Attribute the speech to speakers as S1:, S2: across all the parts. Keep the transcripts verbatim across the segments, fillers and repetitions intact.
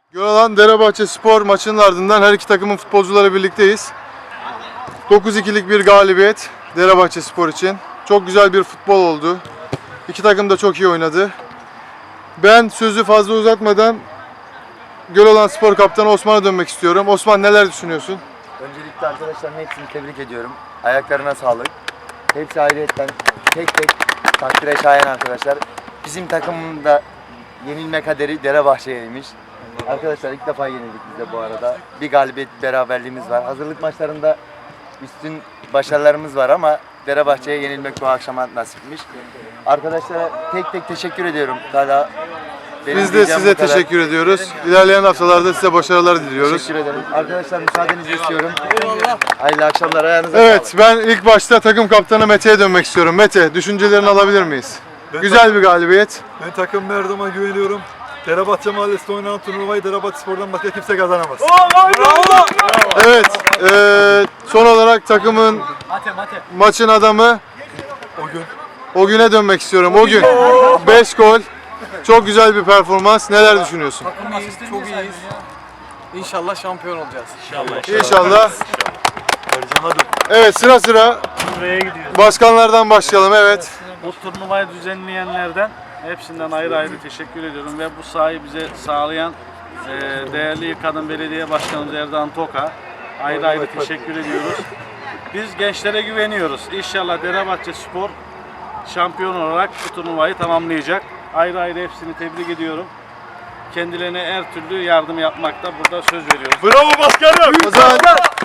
S1: Gölalan Derebahçe Spor maçının ardından her iki takımın futbolcuları birlikteyiz. dokuz ikilik bir galibiyet Derebahçe Spor için. Çok güzel bir futbol oldu. İki takım da çok iyi oynadı. Ben sözü fazla uzatmadan Gölalan Spor Kaptanı Osman'a dönmek istiyorum. Osman, neler düşünüyorsun?
S2: Öncelikle arkadaşların hepsini tebrik ediyorum. Ayaklarına sağlık. Hepsi ayrıyetten tek tek takdire şayan arkadaşlar. Bizim takımın da yenilme kaderi Derebahçe'yeymiş. Arkadaşlar ilk defa yenildik biz de bu arada. Bir galibiyet beraberliğimiz var. Hazırlık maçlarında üstün başarılarımız var ama Derebahçe'ye yenilmek bu akşama nasipmiş. Arkadaşlara tek tek teşekkür ediyorum. Hala
S1: Biz de size teşekkür ediyoruz. İlerleyen haftalarda size başarılar diliyoruz.
S2: Teşekkür ederim. Arkadaşlar müsaadenizi istiyorum. Hayırlı akşamlar. Ayağınıza
S1: Evet, ben ilk başta takım kaptanı Mete'ye dönmek istiyorum. Mete, düşüncelerini alabilir miyiz?
S3: Ben
S1: Güzel bir galibiyet.
S3: Ben takım her zaman güveniyorum. Derebahçe Mahallesi'nde oynanan turnuvayı Derebahçe Spor'dan başka kimse kazanamaz.
S1: Bravo! Evet, eee, son olarak takımın maçın adamı
S3: O gün
S1: o güne dönmek istiyorum. O gün beş gol. Çok güzel bir performans. Neler düşünüyorsun?
S4: İyiyiz, çok iyiyiz. İnşallah şampiyon olacağız.
S1: İnşallah.
S3: Ercan'a dön.
S1: Evet, sıra sıra
S5: Buraya gidiyoruz.
S1: başkanlardan başlayalım. Evet.
S5: Bu turnuvayı düzenleyenlerden hepsinden ayrı ayrı teşekkür ediyorum ve bu sahayı bize sağlayan e, değerli Kadın Belediye Başkanımız Erdoğan Toka ayrı ayrı teşekkür ediyoruz. Biz gençlere güveniyoruz. İnşallah Derebahçe Spor şampiyon olarak bu turnuvayı tamamlayacak. Ayrı ayrı hepsini tebrik ediyorum. Kendilerine her türlü yardım yapmakta burada söz veriyoruz.
S3: Bravo başkanım.
S1: O zaman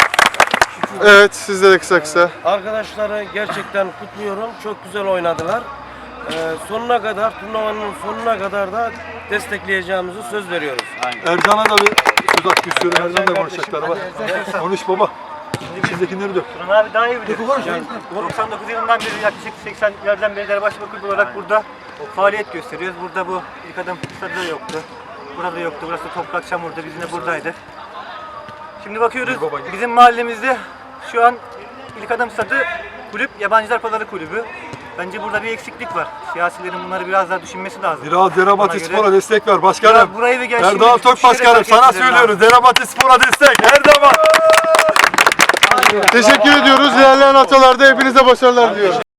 S1: evet, sizde de kısa kısa.
S6: Arkadaşları gerçekten kutluyorum. Çok güzel oynadılar. Ee, sonuna kadar, turnuvanın sonuna kadar da destekleyeceğimizi söz veriyoruz.
S3: Ercan'a da bir söz hakkı istiyorum. Ercan da konuşacaklar var. Konuş baba. İçindekileri dök.
S7: Turun abi daha iyi bilir. Yani doksan dokuz yılından beri yaklaşık seksen yerden beri Derebahçe Kulübü olarak burada faaliyet gösteriyoruz. Burada bu ilk adım stadı da yoktu. Burada yoktu. Burası toprak çamurdu. Biz de buradaydık. Şimdi bakıyoruz bizim mahallemizde şu an ilk adım stadı kulüp Yabancılar Pazarı Kulübü. Bence burada bir eksiklik var. Siyasilerin bunları biraz daha düşünmesi lazım.
S3: Biraz Derebahçe
S7: Ona göre-
S3: Spor'a destek ver başkanım.
S7: Biraz burayı ve gençliği
S3: Erdoğan Tok
S7: düşünerek
S3: başkanım
S7: hareket
S3: sana
S7: etmeleri
S3: söylüyoruz. Derebahçe Spor'a destek her zaman.
S1: Teşekkür ediyoruz. İlerleyen haftalarda hepinize başarılar diliyorum.